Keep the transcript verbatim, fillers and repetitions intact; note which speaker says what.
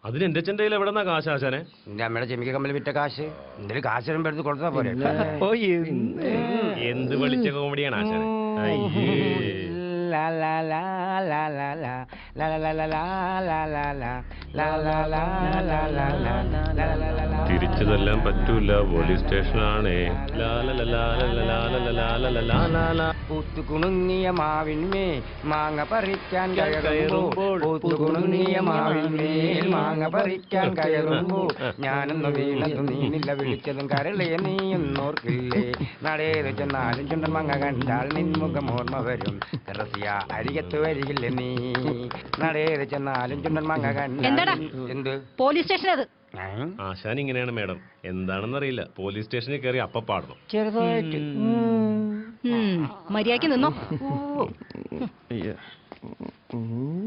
Speaker 1: അതിന് എന്റെ അച്ഛൻ്റെ കയ്യിൽ എവിടെ നിന്നാ കാശ് ആശാനെ?
Speaker 2: എന്റെ അമ്മയുടെ ചെമിക്ക കമ്മൽ വിറ്റ കാശ് എന്തെങ്കിലും കാശ് വരുമ്പോ എടുത്ത് കൊടുത്താ പോരെ.
Speaker 1: എന്ത് വിളിച്ച കോമഡിയാണ് ആശാനെ. തിരിച്ചതെല്ലാം പറ്റൂല, പോലീസ് സ്റ്റേഷനാണേ.
Speaker 2: പൂത്തുകുണുങ്ങിയ മാവിന്മേ മാങ്ങ പറിക്കാൻ കയറുമ്പോൾ പൂത്തുകുണുങ്ങിയ മാവിന്മേൽ മാങ്ങ പറിക്കാൻ കയറുമ്പോൾ ഞാനൊന്ന് വീണതും നീനില്ല വിളിച്ചതും കരളെ നീയൊന്നോർക്കില്ലേ. നടേത് ചെന്നാലും ചുണ്ടൻ മാങ്ങ കണ്ടാൽ നിൻമുഖം ഓർമ്മ വരും. റസിയ അരികത്ത് വരികില്ല നീ. നടേത് ചെന്നാലും ചുണ്ടൻ മാങ്ങ കണ്ടാൽ എന്ത് പോലീസ് സ്റ്റേഷൻ അത്.
Speaker 1: ആശാൻ ഇങ്ങനെയാണ് മേഡം, എന്താണെന്നറിയില്ല. പോലീസ് സ്റ്റേഷനിൽ കയറി അപ്പ പാടണം.
Speaker 2: ചെറുതായിട്ട്
Speaker 3: മര്യാദയ്ക്ക് നിന്നോ.